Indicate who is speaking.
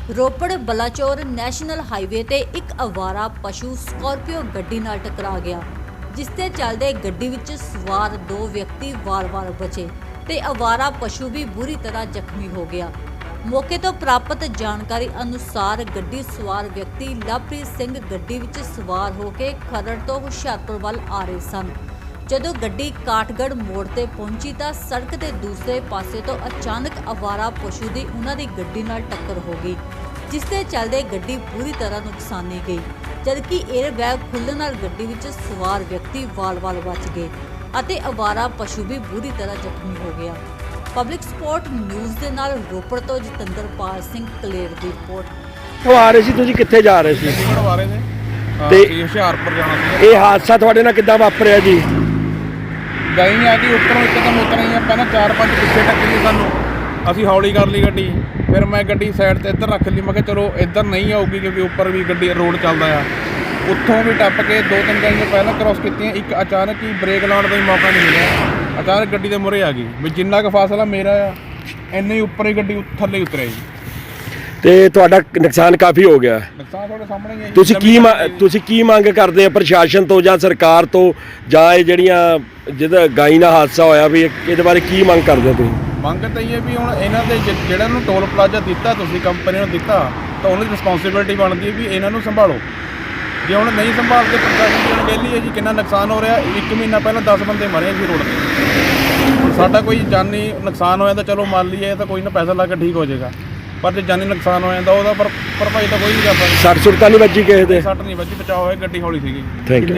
Speaker 1: Ropar Balachaur national highway ਤੇ ਇੱਕ ਅਵਾਰਾ ਪਸ਼ੂ ਸਕਾਰਪੀਓ ਗੱਡੀ ਨਾਲ ਟਕਰਾ ਗਿਆ, ਜਿਸ ਤੇ ਚੱਲਦੇ ਗੱਡੀ ਵਿੱਚ ਸਵਾਰ ਦੋ ਵਿਅਕਤੀ ਵਾਰ-ਵਾਰ ਬਚੇ ਤੇ ਅਵਾਰਾ ਪਸ਼ੂ ਵੀ ਬੁਰੀ ਤਰ੍ਹਾਂ ਜ਼ਖਮੀ ਹੋ ਗਿਆ। ਮੌਕੇ ਤੋਂ ਪ੍ਰਾਪਤ ਜਾਣਕਾਰੀ ਅਨੁਸਾਰ ਗੱਡੀ ਸਵਾਰ ਵਿਅਕਤੀ ਲਵਪ੍ਰੀਤ ਸਿੰਘ ਗੱਡੀ ਵਿੱਚ ਸਵਾਰ ਹੋ ਕੇ ਖਰੜ ਤੋਂ ਹੁਸ਼ਿਆਰਪੁਰ ਵੱਲ ਆ ਰਹੇ ਸਨ। ਜਦੋਂ ਗੱਡੀ ਕਾਠਗੜ੍ਹ ਮੋੜ ਤੇ ਪਹੁੰਚੀ ਤਾਂ ਸੜਕ ਦੇ ਦੂਸਰੇ ਪਾਸੇ ਤੋਂ ਅਚਾਨਕ ਅਵਾਰਾ ਪਸ਼ੂ ਦੀ ਉਹਨਾਂ ਦੀ ਗੱਡੀ ਨਾਲ ਟੱਕਰ ਹੋ ਗਈ, ਜਿਸ ਦੇ ਚੱਲਦੇ ਗੱਡੀ ਪੂਰੀ ਤਰ੍ਹਾਂ ਨੁਕਸਾਨੀ ਗਈ, ਜਦਕਿ 에ਅਰ ਬੈਗ ਖੁੱਲ੍ਹਣ ਨਾਲ ਗੱਡੀ ਵਿੱਚ ਸਵਾਰ ਵਿਅਕਤੀ ਵਾਲ-ਵਾਲ ਬਚ ਗਏ ਅਤੇ ਅਵਾਰਾ ਪਸ਼ੂ ਵੀ ਬੁਰੀ ਤਰ੍ਹਾਂ ਜ਼ਖਮੀ ਹੋ ਗਿਆ। ਪਬਲਿਕ ਸਪੋਰਟ ਨਿਊਜ਼ ਦੇ ਨਾਲ ਰੋਪੜ ਤੋਂ ਜਤਿੰਦਰਪਾਲ ਸਿੰਘ ਕਲੇਰ ਦੀ ਰਿਪੋਰਟ।
Speaker 2: ਉਹ ਆ ਰਹੇ ਸੀ, ਤੁਸੀਂ ਕਿੱਥੇ ਜਾ ਰਹੇ ਸੀ?
Speaker 3: ਆ ਰਹੇ ਨੇ
Speaker 2: ਤੇ
Speaker 3: ਹੁਸ਼ਿਆਰਪੁਰ ਜਾਣਾ ਸੀ।
Speaker 2: ਇਹ ਹਾਦਸਾ ਤੁਹਾਡੇ ਨਾਲ ਕਿੱਦਾਂ ਵਾਪਰਿਆ ਜੀ?
Speaker 3: ਗਈ ਆ ਕਿ ਉੱਪਰੋਂ ਇੱਕਦਮ ਉਤਰ ਆਈ ਆਪਾਂ ਨਾ 4-5 ਪਿੱਛੇ ਟੱਕਰੀ ਸਾਨੂੰ, ਅਸੀਂ ਹੌਲੀ ਕਰ ਲਈ ਗੱਡੀ। ਫਿਰ ਮੈਂ ਗੱਡੀ ਸਾਈਡ ਤੇ ਇੱਧਰ ਰੱਖ ਲਈ, ਮੈਂ ਕਿਹਾ ਚਲੋ ਇੱਧਰ ਨਹੀਂ ਆਊਗੀ ਕਿਉਂਕਿ ਉੱਪਰ ਵੀ ਗੱਡੀ ਰੋਡ ਚੱਲਦਾ ਆ। ਉੱਥੋਂ ਵੀ ਟੱਪ ਕੇ 2-3 ਗਾੜੀਆਂ ਪਹਿਲਾਂ ਕ੍ਰੋਸ ਕੀਤੀਆਂ, ਇੱਕ ਅਚਾਨਕ ਹੀ ਬ੍ਰੇਕ ਲਾਉਣ ਦਾ ਹੀ ਮੌਕਾ ਨਹੀਂ ਮਿਲਿਆ, ਅਚਾਨਕ ਗੱਡੀ ਦੇ ਮੂਹਰੇ ਆ ਗਈ। ਵੀ ਜਿੰਨਾ ਕੁ ਫਾਸਲਾ ਮੇਰਾ ਆ ਇੰਨੇ ਹੀ ਉੱਪਰ ਹੀ ਗੱਡੀ ਥੱਲੇ ਉਤਰਿਆ ਜੀ।
Speaker 2: ਤੇ ਤੁਹਾਡਾ ਨੁਕਸਾਨ ਕਾਫੀ ਹੋ ਗਿਆ।
Speaker 3: ਨੁਕਸਾਨ ਤੁਹਾਡੇ ਸਾਹਮਣੇ ਹੀ ਹੈ ਜੀ।
Speaker 2: ਤੁਸੀਂ ਕੀ ਮੰਗ ਕਰਦੇ ਆ ਪ੍ਰਸ਼ਾਸਨ ਤੋਂ ਜਾਂ ਸਰਕਾਰ ਤੋਂ, ਜਾਂ ਇਹ ਜਿਹੜੀਆਂ ਜਿਹਦਾ ਗਾਈ ਨਾਲ ਹਾਦਸਾ ਹੋਇਆ ਵੀ ਇਹਦੇ ਬਾਰੇ ਕੀ ਮੰਗ ਕਰਦੇ ਤੁਸੀਂ?
Speaker 3: ਮੰਗ ਤਾਂ ਇਹ ਹੈ ਵੀ ਹੁਣ ਇਹਨਾਂ ਦੇ ਜਿਹੜਾ ਨੂੰ ਟੋਲ ਪਲਾਜ਼ਾ ਦਿੱਤਾ ਤੁਸੀਂ ਕੰਪਨੀ ਨੂੰ ਦਿੱਤਾ, ਤਾਂ ਉਹਨਾਂ ਦੀ ਰਿਸਪੌਂਸਿਬਿਲਿਟੀ ਬਣਦੀ ਹੈ ਵੀ ਇਹਨਾਂ ਨੂੰ ਸੰਭਾਲੋ। ਜੇ ਹੁਣ ਨਹੀਂ ਸੰਭਾਲਦੇ ਪ੍ਰਸ਼ਾਸਨ ਦੀ ਅਣਗਹਿਲੀ ਹੈ ਜੀ। ਕਿੰਨਾ ਨੁਕਸਾਨ ਹੋ ਰਿਹਾ, 1 ਮਹੀਨਾ ਪਹਿਲਾਂ 10 ਬੰਦੇ ਮਰੇ ਸੀ ਰੋਡ 'ਤੇ। ਹੁਣ ਸਾਡਾ ਕੋਈ ਜਾਨੀ ਨੁਕਸਾਨ ਹੋ ਜਾਂਦਾ ਚਲੋ ਮੰਨ ਲਈਏ ਤਾਂ ਕੋਈ ਨਾ ਪੈਸਾ ਲਾ ਕੇ ਠੀਕ ਹੋ ਜਾਏਗਾ, ਪਰ ਜੇ ਜਾਨੀ ਨੁਕਸਾਨ ਹੋ ਜਾਂਦਾ ਉਹਦਾ ਭਰਪਾਈ ਤਾਂ ਕੋਈ ਨਹੀਂ ਕਰ ਸਕਦਾ।
Speaker 2: ਸੱਟ ਸੁੱਟ ਤਾਂ ਨਹੀਂ ਵੱਜੀ ਕਿਸੇ ਦੇ?
Speaker 3: ਸੱਟ ਨਹੀਂ ਵੱਜੀ, ਬਚਾਅ ਹੋਇਆ, ਗੱਡੀ ਹੌਲੀ ਸੀਗੀ।
Speaker 2: Thank you.